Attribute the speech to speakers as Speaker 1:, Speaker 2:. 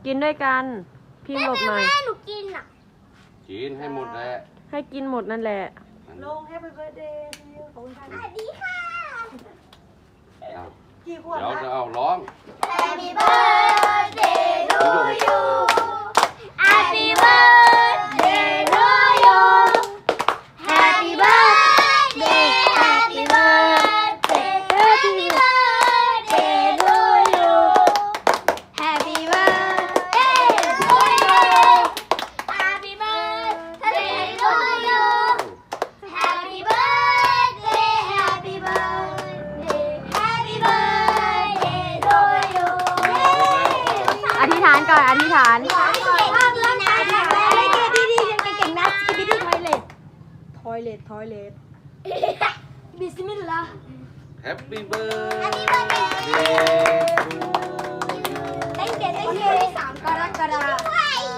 Speaker 1: กินด้วยกันพิมพ์หลบหน่อย
Speaker 2: แม่หนูกินอ่ะ
Speaker 3: กินให้หมดแหละ
Speaker 1: ให้กินหมดนั่นแหละ
Speaker 4: ลง Happy Birthday to you ขอบคุณค่ะ
Speaker 2: สวัสดีค่ะ
Speaker 3: เอา
Speaker 4: กี่ขวบ
Speaker 3: เดี๋ยว
Speaker 4: นะ
Speaker 3: จะเอาร้อง
Speaker 2: Happy birthday to you Happy birthday to you Happy birthday Happy birthday Happy birthday to you Happy birthday to you Happy birthday to you Happy birthday Happy birthday Happy birthday to you
Speaker 1: อธิษฐานก่อนอธิษฐาน
Speaker 2: ขอให้สุขภาพร่างกายแข็งแรง
Speaker 4: ดีๆยังเก่งๆนะสกิปปี้ทอยเลททอยเลทบิสมิลลาห์
Speaker 3: Happy birthday